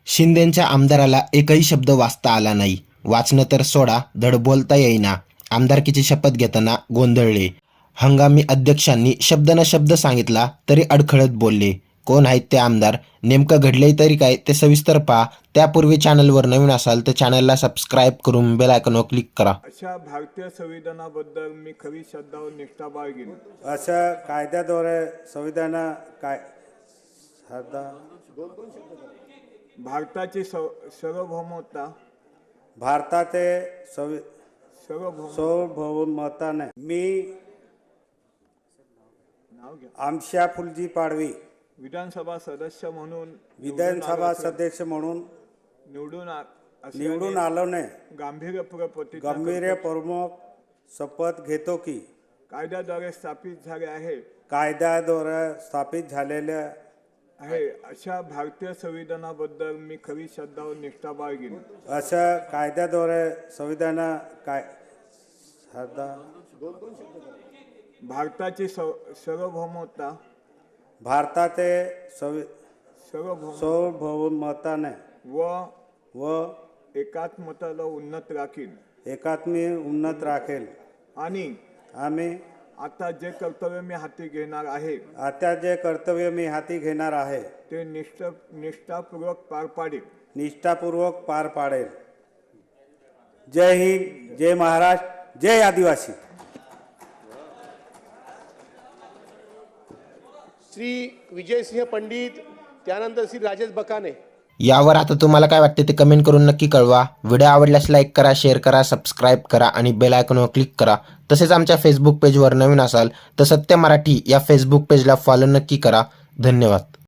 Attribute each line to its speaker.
Speaker 1: शिंदेंच्या आमदाराला एकही शब्द वाचता आला नाही. वाचणं तर सोडा, धड बोलता येईना. आमदारकीची शपथ घेताना गोंधळले. हंगामी अध्यक्षांनी शब्द न शब्द सांगितला तरी अडखळत बोलले. कोण आहेत ते आमदार, नेमकं घडलंय तरी काय ते सविस्तर पहा. त्यापूर्वी चॅनलवर नवीन असाल तर चॅनलला सबस्क्राईब करून बेल आयकॉनवर क्लिक करा.
Speaker 2: अशा भारतीय संविधानाबद्दल मी खरी श्रद्धा व निष्ठा बाळगेन.
Speaker 3: अशा कायद्याद्वारे संविधान काय
Speaker 2: भारताची सार्वभौमता
Speaker 3: भारताचे
Speaker 2: सार्वभौम
Speaker 3: सार्वभौमताने मी
Speaker 2: नाव घ्या.
Speaker 3: आमशा फुलजी पाडवी
Speaker 2: विधानसभा सदस्य म्हणून
Speaker 3: विधानसभा सदस्य म्हणून निवडून आलोने गंभीरपूर्वक शपथ घेतो की
Speaker 2: कायद्याद्वारे स्थापित झाले आहे आहे अशा भारतीय संविधानाबद्दल मी खरी श्रद्धा व निष्ठा बाळगेन.
Speaker 3: अशा कायद्याद्वारे संविधान काय
Speaker 2: भारताची सार्वभौमता
Speaker 3: भारताचे
Speaker 2: सार्वभौमताने
Speaker 3: व
Speaker 2: एकात्मताला उन्नत राखीन
Speaker 3: उन्नत राखेल
Speaker 2: आणि
Speaker 3: आम्ही
Speaker 2: आता जे कर्तव्य मी हाती घेणार आहे ते निष्ठापूर्वक पार पाडेल.
Speaker 3: जय हिंद, जय महाराष्ट्र, जय आदिवासी.
Speaker 4: श्री विजयसिंह पंडित, त्यानंतर श्री राजेश बकाने.
Speaker 1: यावर आता तुम्हाला काय वाटते ते कमेंट करून नक्की कळवा. व्हिडिओ आवडल्यास लाईक करा, शेअर करा, सबस्क्राईब करा आणि बेल आयकॉनवर क्लिक करा. तसेच आमच्या फेसबुक पेजवर नवीन असाल तर सत्य मराठी या फेसबुक पेजला फॉलो नक्की करा. धन्यवाद.